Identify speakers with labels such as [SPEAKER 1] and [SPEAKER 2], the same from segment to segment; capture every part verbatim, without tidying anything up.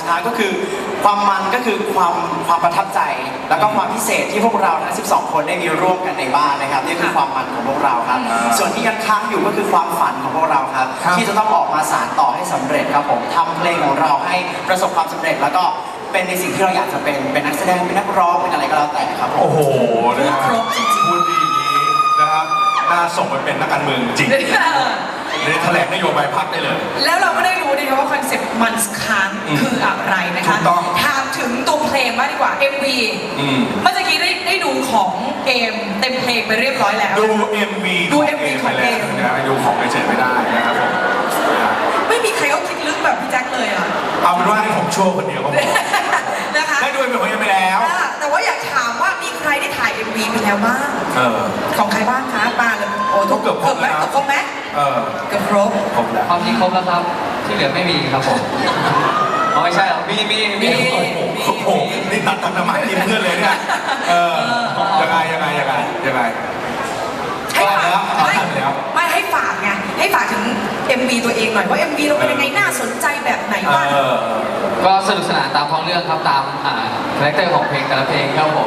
[SPEAKER 1] คาร์ก็คือความมันก็คือความความประทับใจแล้วก็ความพิเศษที่พวกเราทั้งสิบสองคนได้มีร่วมกันในบ้านนะครับนี่คือความมันของพวกเราครับส่วนที่ยังค้างอยู่ก็คือความฝันของพวกเราครับที่จะต้องออกมาสานต่อให้สำเร็จครับผมทำเพลงของเราให้ประสบความสำเร็จแล้วก็เป็นในสิ่งที่เราอยากจะเป็นเป็นนักแสดงเป็นนักร้องเป็นอะไรก็แล้วแต่ครับผม
[SPEAKER 2] โอ้โหนะครบจริงๆพูดดีนี้นะครับน่าส่งไปเป็นนักการเมืองจริงเลยแถลงนโยบายพรรคได้เลย
[SPEAKER 3] แล้วเราก็ได้รู้นะคะว่าคอนเซ็ปต์มันค้างคืออะไรนะคะถามถึงตัวเพลงมากดีกว่า เอ็ม วี เมื่อกี้ได้ได้ดูของเอมเต็มเพลงไปเรียบร้อยแล้ว
[SPEAKER 2] ดู เอ็ม วี
[SPEAKER 3] ดู เอ็ม วี ของเอม
[SPEAKER 2] นะดูของเฉยไม่ได้นะครับผม
[SPEAKER 3] ไม่มีใครเขาคิดลึกแบบพี่แจ็คเลยอ่ะ
[SPEAKER 2] เอาเป็นว่าให้ผมโชว์คนเดียวก็พอ
[SPEAKER 3] นะคะ
[SPEAKER 2] ได้ดูเป็นของเอ็มไปแล้ว
[SPEAKER 3] แต่ว่าอยากถามว่ามีใครได้ถ่าย เอ็ม วี ไปแล้วบ้างของใครบ้างคะปาเลยโอ้ทุก
[SPEAKER 2] เกือบครบแล้ว
[SPEAKER 3] เกือบครบไหมเกือบครบ
[SPEAKER 2] ครบแล้ว
[SPEAKER 4] ความจริงครบแล้วครับที่เหลือไม่มีครับผมอ๋อไม่ใช่หรอมีมีมี
[SPEAKER 2] โอ้โหนี่ตัดตัดน้ำมันกินเพื่อนเลยเนี่ยเออยังไงยังไงยังไงยังไง
[SPEAKER 3] ให้ฝากไม่ให้ฝากไงให้ฝากถึง เอ็ม วี ตัวเองหน่อยว่า เอ็ม วี เราเป็นยังไงน่าสนใจแบบไหนบ้าง
[SPEAKER 4] ก็สนุกสนานตามท้องเรื่องครับตามคาแรคเตอร์ของเพลงแต่ละเพลงครับผม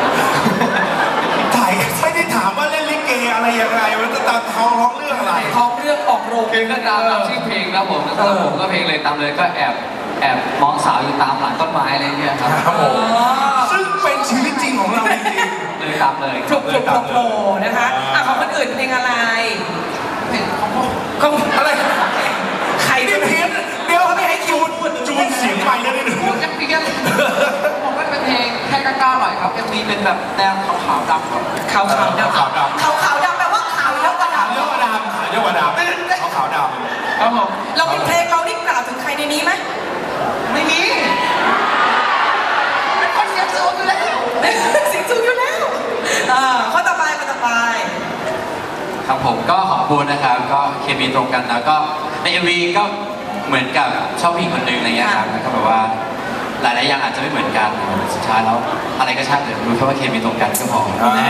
[SPEAKER 2] ถ่ายไม่ได้ถามว่าเล่นลิเกอะไรยังไงมันจะตามท้องเรื่องอะไร
[SPEAKER 3] ท้องเรื่องออกโรง
[SPEAKER 4] เพลงก็ตามชื่อเพลงครับผมแล้วผมก็เพลงเลยตามเลยก็แอบแอบมองสาวอยู่ตามหลังต้นไม้อะไรเงี้ยครับ
[SPEAKER 2] ครับผมซึ่งเป็นชีวิตจริงของเราจริง
[SPEAKER 4] ๆเลยตามเลย
[SPEAKER 3] คลุกคลุกโผล่นะคะอ่ะของคนอื่นเพลงอะไรของ
[SPEAKER 2] อะไร
[SPEAKER 3] ใคร
[SPEAKER 2] ไม่เพี้ยนเดี๋ยวไม่ให้จูนจูนเสียงไปแล้วนิดนึง
[SPEAKER 4] พูดกันเพี้ยนผมก็เป็นเพลงแค่กล้าๆหน่อยครับ เอ็ม วี เป็นแบบแนวขาวๆดำครับ
[SPEAKER 3] ขาวๆดำขาวๆขาวขาวดำแปลว่าขาวเยอะกว่าดำ
[SPEAKER 2] เยอะกว่าดำเยอะกว่าดำขาวขาวดำ
[SPEAKER 4] ครับผม
[SPEAKER 3] เราเป็นเพลงเรานี่กล่าวถึงใครในนี้ไหม
[SPEAKER 4] ไม่มีเป็นคนเสียงสูงอยู่แล้ว
[SPEAKER 3] เสียงสูงอยู่แล้วข้อต่อไปข้อต่อไป
[SPEAKER 4] ครับผมก็ขอบคุณนะครับก็เคมีตรงกันแล้วก็ใน เอ็ม วี ก็เหมือนกับชอบผู้หญิงคนหนึ่งอะไรเงี้ยครับแล้วก็แบบว่าหลายๆอย่างอาจจะไม่เหมือนกันสุดท้ายแล้วอะไรก็ช่างเถอะรู้แค่ว่าเคมีตรงกันก็พอ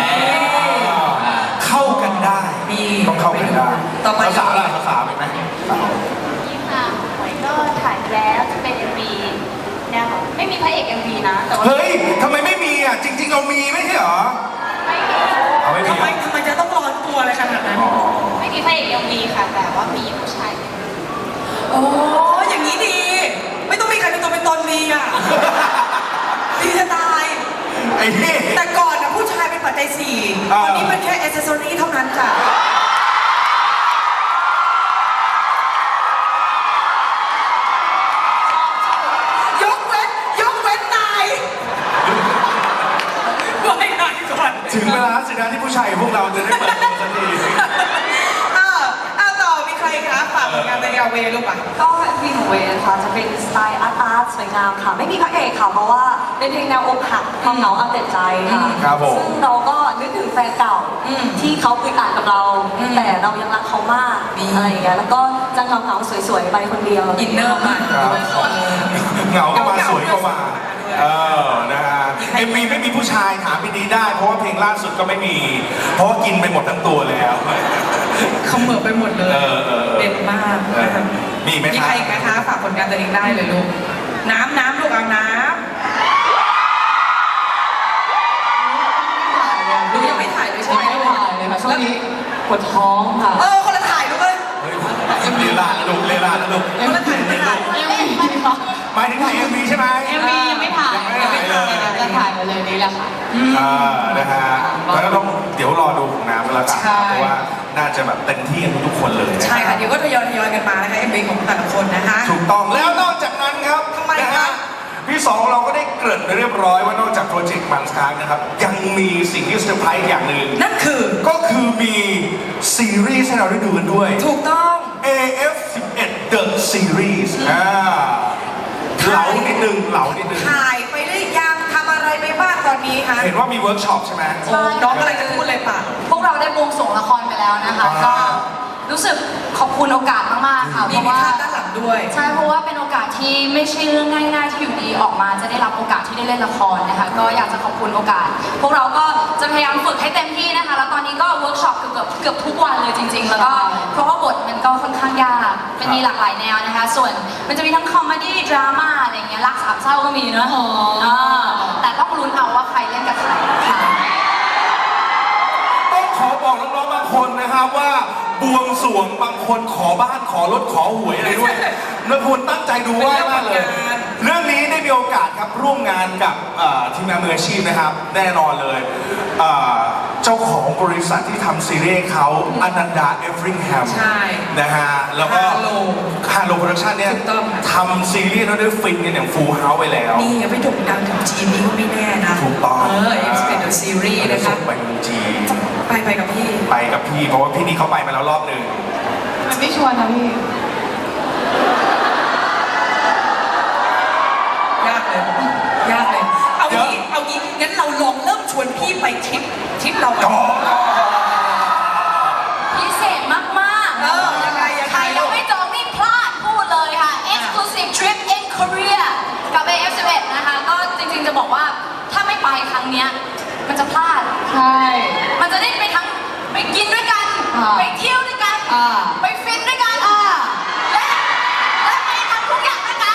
[SPEAKER 2] เข้ากันได้ต้องเข้ากันได้
[SPEAKER 3] ต่อไป
[SPEAKER 2] ภาษาอะไรภาษาไหม
[SPEAKER 5] นี่ค่ะหวยก็ถ่ายแล้วจะเป็น เอ็ม วี เนี่ยไม่มีพระเอก เอ็ม วี นะแต่ว่า
[SPEAKER 2] เฮ้ยทำไมไม่มีอ่ะจริงๆเรามีไม่ใช่เหรอ
[SPEAKER 5] ไม่มี
[SPEAKER 3] ทำไมทำไมจะต้องร้อนตัวอะไรขนาดนั้น
[SPEAKER 5] ไม่มีพระเอก เอ็ม วี ค่ะแต่ว่ามีผู้ชาย
[SPEAKER 3] โอ้อย่างนี้ดีไม่ต้องมีใครเป็นตัวเป็นตนดีอ่ะดีจะตายแต่ก่อนนะผู้ชายเป็นปัจจัยสี่ตอนนี้เป็นแค่แอคเซสซอรี่เท่านั้นจ้ะยกเว้นยกเว้นนายไม่นายก่อน
[SPEAKER 2] ถึงเวลาสินะที่ผู้ชายพวกเราจะได้เปิดตัวสักที
[SPEAKER 3] อ้าวอ้าวต่อมีใครคะฝากผลงานในเวลูกอ่ะ
[SPEAKER 6] ก็เพลงของเวค่ะจะเป็นสไตล์อาร์ตอาร์ตสวยงามค่ะไม่มีพระเอกค่ะเพราะว่าเป็นเพลงแนวอกหักความเหงาเอาแต่ใจค่ะซึ่งเราก็นึกถึงแฟนเก่าที่เขาอึดอัดกับเราแต่เรายังรักเขามากอะไรอย่างเงี้ยแล้วก็จะเหงาเหงาสวยๆไปคนเดียว
[SPEAKER 3] อินเนอร์มา
[SPEAKER 2] เหงาก็มาสวยก็มาเออนะฮะเอ็มวีไม่มีผู้ชายถามพี่ดีได้เพราะว่าเพลงล่าสุดก็ไม่มีเพราะว่ากินไปหมดทั้งตัวแล้ว
[SPEAKER 3] เขาเหมือไปหมดเลยเด็ดมาก
[SPEAKER 2] มีไหม
[SPEAKER 3] มีใครอีกไหมคะฝากผลงานตัวเองได้เลยลูกน้ำน้ำลูกเอาน้ำลูกยังไม่ถ่ายเลยใช่ไหม
[SPEAKER 6] ไม่ถ่ายเลยค่ะช่วงนี้ปวดท้องค่ะ
[SPEAKER 3] เออคนละถ่ายลูกเลย
[SPEAKER 2] เลล่าลูกเลล่าลูก
[SPEAKER 3] คนละถ่ายไม่ถ่าย
[SPEAKER 2] หมายถึงถ่ายเอ็มวีใช่ไหม
[SPEAKER 6] เอ็มวียังไม่ถ่ายยังไม่ถ่ายจะถ่ายมาเลยนี้แหละค่ะ
[SPEAKER 2] อ่านะฮะแล้วต้องเดี๋ยวรอดูของน้ำแล้วกันเพราะว่าน่าจะแบบเต็มที่กันทุกคนเลย
[SPEAKER 3] ใช่ค่ะเดี๋ยวก็ทยอยทยอยกันมานะคะเอ็มวีของแต่ละคนนะคะ
[SPEAKER 2] ถูกต้องแล้วนอกจากนั้นครับ
[SPEAKER 3] ทำไมคะ
[SPEAKER 2] พี่สองเราก็ได้เกริ่นไปเรียบร้อยว่านอกจากโปรเจกต์มันสคาร์นะครับยังมีสิ่งที่เซอร์ไพรส์อย่างหนึ่ง
[SPEAKER 3] นั่นคือ
[SPEAKER 2] ก็คือมีซีรีส์ให้เราได้ดูกันด้วย
[SPEAKER 3] ถูกต้อง
[SPEAKER 2] เอ เอฟ สิบเอ็ด The Series อ่าเหลานิดนึงเหลานิดนึง
[SPEAKER 3] ถ่ายไปได้ยังทำอะไรไปบ้างตอนนี้คะ
[SPEAKER 2] เห็นว่ามีเวิร์กช็อปใช่ไหม
[SPEAKER 3] ใช่น้องอะไรจะพูดเลยป่ะ
[SPEAKER 6] พวกเราได้บวงสรวงละครไปแล้วนะคะก็รู้สึกขอบคุณโอกาสมากๆค่ะ
[SPEAKER 3] เพราะว่าด้านหลังด้วย
[SPEAKER 6] ใช่เพราะว่าเป็นโอกาสที่
[SPEAKER 7] ที่ไม่ใช่เรื่องง่ายๆที่อยู่ดีออกมาจะได้รับโอกาสที่ได้เล่นละครนะคะก็อยากจะขอบคุณโอกาส พวกเราก็จะพยายามฝึกให้เต็มที่นะคะแล้วตอนนี้ก็เวิร์กช็อปเกือบเกือบทุกวันเลยจริง ๆ แล้วก็เพราะว่าบทมันก็ค่อนข้างยากมันมีหลากหลายแนวนะคะ ส่วนมันจะมีทั้งคอมเมดี้ดราม่าอะไรเงี้ยรักสามเศร้าก็มีเนอะอ่าแต่ต้องลุ้นเอาว่าใครเล่นกับใครค่ะ
[SPEAKER 2] ต้องขอบอกน้องๆบางคนนะครับว่าบวงสรวงบางคนขอบ้านขอรถขอหวยอะไรด้วยนักพลตั้งใจดูไหว้มากเลย เรื่องนี้ได้มีโอกาสครับร่วมงานกับเอ่อทีมงานมืออาชีพนะครับ แน่นอนเลยเอ่อเจ้าของบริษัทที่ทำซีรีส์เขาอนันดาเอฟริงแฮม
[SPEAKER 3] ใช่
[SPEAKER 2] นะฮะแล้วก็
[SPEAKER 3] Hello
[SPEAKER 2] ฮาโลโปรดักชั่นเนี่ย
[SPEAKER 3] ถูกต้องค่ะ
[SPEAKER 2] ทำซีรีส์แล้วได้ฟินกันอย่างฟูลเฮาส์ไปแล้ว
[SPEAKER 3] นี่ยังไม่โด่งดังถึงจีนนี่ก็ไม่แน่นะ
[SPEAKER 2] ถูกต้อง
[SPEAKER 3] เออ Expect the Series
[SPEAKER 2] จะ
[SPEAKER 3] นะคะ
[SPEAKER 2] ส่งไปเมืองจีน
[SPEAKER 3] ไปไปกับพี่
[SPEAKER 2] ไปกับพี่เพราะว่าพี่นี่เขาไปมาแล้วรอบหนึ่ง
[SPEAKER 7] มันไม่ชวนนะพี่
[SPEAKER 3] ยากเลย ยากเลย เอางี้ เอางี้ งั้นเราลองเริ่มชวนพี่ไปทริปทริปเราก่อน
[SPEAKER 7] พิเศษมากๆ
[SPEAKER 3] เออยังไงยังไง
[SPEAKER 7] ใครยังไม่จองนี่พลาดพูดเลยค่ะ Exclusive Trip in Korea กับ เอ เอฟ สิบเอ็ด นะคะ ก็จริงๆจะบอกว่าถ้าไม่ไปครั้งเนี้ยมันจะพลาด
[SPEAKER 6] ใช่
[SPEAKER 7] มันจะได้ไปทั้งไปกินด้วยกัน
[SPEAKER 6] อ่า
[SPEAKER 7] ไปเที่ยวด้วยกัน
[SPEAKER 6] อ่า
[SPEAKER 7] ไปฟินด้วยกัน และและไปทำทุกอย่างด้วยกัน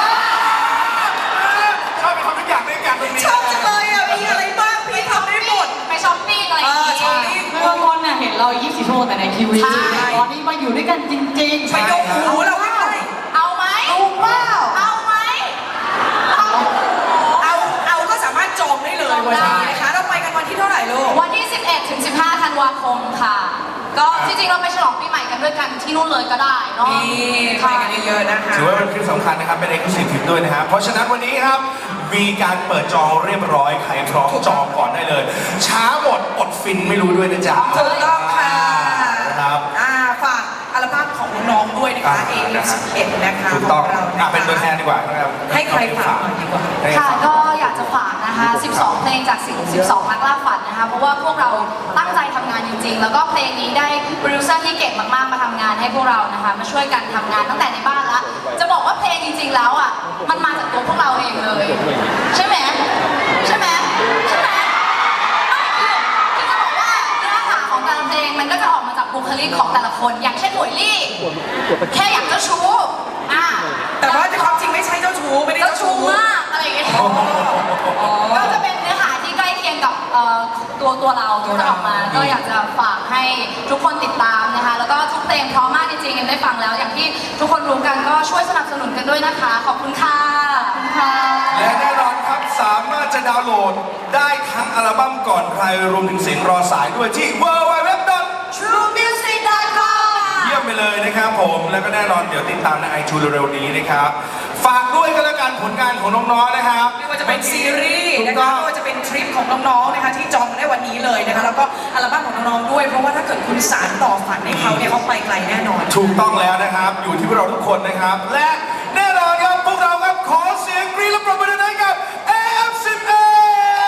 [SPEAKER 2] ชอบไปทำทุกอย่างด้วยกันตรงนี้
[SPEAKER 3] ชอบจังเลยอ่ะ มีอะไรบ้างพี่ทำได้หมด
[SPEAKER 7] ไปช้อปปิ้งอะไรอย่าง
[SPEAKER 3] เออช้อป
[SPEAKER 7] งี้
[SPEAKER 3] ปิ้ง
[SPEAKER 6] เมื่อก่อนเนี่ยเห็นเรายี่สิบชั่วโมงแต่ในทีวี
[SPEAKER 7] ใช่
[SPEAKER 6] ตอนนี้มาอยู่ด้วยกันจริงๆ
[SPEAKER 3] ไปยกหูเราไม่ได้
[SPEAKER 7] เอาไหมเอาเปล่าเอาไหมเอา
[SPEAKER 3] เอา เอาก็สามารถจองได้เลยวันนี้นะคะ เราไปกันวันที่เท่าไหร่ลูก
[SPEAKER 7] วันที่ สิบเอ็ดถึงสิบห้า ธันวาคมค่ะ ก็จริงๆ เราไปฉลองปีใหม่กันด้วยกันที่นู่นเลยก็ได้เนาะ
[SPEAKER 3] นี่ไปกันเยอะๆนะคะ
[SPEAKER 2] ถือว่าเป็นคลิปสำคัญนะครับ เป็นเอกลักษณ์ทริปด้วยนะครับ เพราะฉะนั้นวันนี้ครับ มีการเปิดจองเรียบร้อย ใครพร้อมจองก่อนได้เลย ช้าหมดอดฟินไม่รู้ด้วยนะจ๊ะ
[SPEAKER 3] ถูกต้องค่ะ
[SPEAKER 2] นะครับ
[SPEAKER 3] อ่าฝากอัลบั้มของน้องๆด้วยนะคะ เอ
[SPEAKER 2] นะฮะ
[SPEAKER 3] สิบเอ็ดนะคะ
[SPEAKER 2] ถูกต้อง
[SPEAKER 3] ขเรา
[SPEAKER 2] อ่ะเป็นตัวแทนดีกว่านะครับ
[SPEAKER 3] ให้ใครฝากหน่อยดีกว่า
[SPEAKER 2] ให้
[SPEAKER 7] ค่ะ
[SPEAKER 2] ฝาก
[SPEAKER 7] ก็อยากจะฝากนะคะ สิบสอง เพลงจากสิบสอง นักล่าฝันนะคะ เพราะว่าพวกเราตั้งใจทำงานจริงๆ แล้วก็เพลงนี้ได้โปรดิวเซอร์ที่เก่งมากๆ มาทำงานให้พวกเรานะคะ มาช่วยกันทำงานตั้งแต่ในบ้านละ จะบอกว่าเพลงจริงๆ แล้วอ่ะ มันมาจากตัวพวกเราเองเลย ใช่ไหม ใช่ไหม ใช่ไหมไม่คือคือจะบอกว่าเนื้อหาของแต่ละเพลงมันก็จะออกมาจากบุคลิกของแต่ละคน อย่างเช่นหมวยลี่ แค่อยากเจ้าชู้อ่ะ
[SPEAKER 3] แต่ว่าในความจริงไม่ใช่เจ้าชู้ไม่ได้
[SPEAKER 7] เจ้า
[SPEAKER 3] เจ้า
[SPEAKER 7] ชู้
[SPEAKER 3] ชู้
[SPEAKER 7] มากอะไรอย่างเงี้ย
[SPEAKER 3] อ๋อ
[SPEAKER 7] ก็จะเป็นเนื้อหาที่ใกล้เคียงกับเอ่อตัวตัวเราที่จะออกมา ก็อยากจะฝากให้ทุกคนติดตามนะคะ แล้วก็ทุกเพลงเพราะมากจริงๆเอ็มได้ฟังแล้ว อย่างที่ทุกคนรู้กันก็ช่วยสนับสนุนกันด้วยนะคะ ขอบคุณค่ะขอบคุณค่ะ
[SPEAKER 2] และแน่นอนครับสามารถจะดาวน์โหลดได้ทั้งอัลบั้มก่อนใครรวมถึงเสียงรอสายด้วยที่ ดับเบิลยู ดับเบิลยู ดับเบิลยู ดอท
[SPEAKER 7] ทรูมิวสิก ดอท คอม
[SPEAKER 2] เยี่ยมไปเลยนะครับผม แล้วก็แน่นอนเดี๋ยวติดตามในไอจูเร็วๆนี้นะครับ ฝากด้วยกันแล้วกันผลงานของน้องๆนะครับ
[SPEAKER 3] ไม่ว่าจะเป็นซีรีส์
[SPEAKER 2] ถูก
[SPEAKER 3] นะ
[SPEAKER 2] ต้
[SPEAKER 3] คะ
[SPEAKER 2] อง
[SPEAKER 3] ไม่ว่าจะเป็นทริปของน้องๆนะคะที่จองได้วันนี้เลยนะคะแล้วก็อัลบั้มของน้องๆด้วย เพราะว่าถ้าเกิดคุณสานต่อฝันให้เขาเนี่ยเขาไปไกลแน่นอน
[SPEAKER 2] ถูกต้องแล้วนะครับ อยู่ที่พวกเราทุกคนนะครับ และแน่นอนครับพวกเราครับขอเสียงกรี๊ดและปรบมือให้กับ เอ เอฟ สิบเอ็ด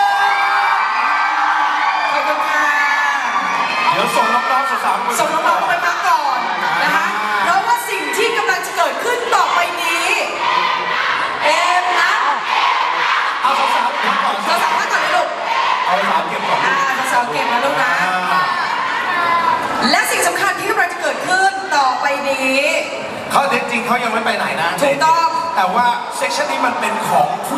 [SPEAKER 3] ขอบคุณค่ะ
[SPEAKER 2] เดี๋ยวส่งน้องๆสาวๆไป
[SPEAKER 3] ส่งน้องๆไปพักก่อนนะคะ เพราะว่าสิ่งที่กำลังจะเกิดขึ้นต่อไปนี้ เอ็มนะ
[SPEAKER 2] เอาสาวๆเก็บก่อน
[SPEAKER 3] เราสามารถก่อนเลยลูก
[SPEAKER 2] เอาสาวๆเก็บก่อน
[SPEAKER 3] อ่าสาวๆเก่งนะลูกนะ
[SPEAKER 2] อ่า
[SPEAKER 3] และสิ่งสำคัญที่กำลังจะเกิดขึ้นต่อไปนี้
[SPEAKER 2] เขาจริงๆเขายังไม่ไปไหนนะ
[SPEAKER 3] ถูกต้อง
[SPEAKER 2] แต่ว่าเซสชันนี้มันเป็นของผู้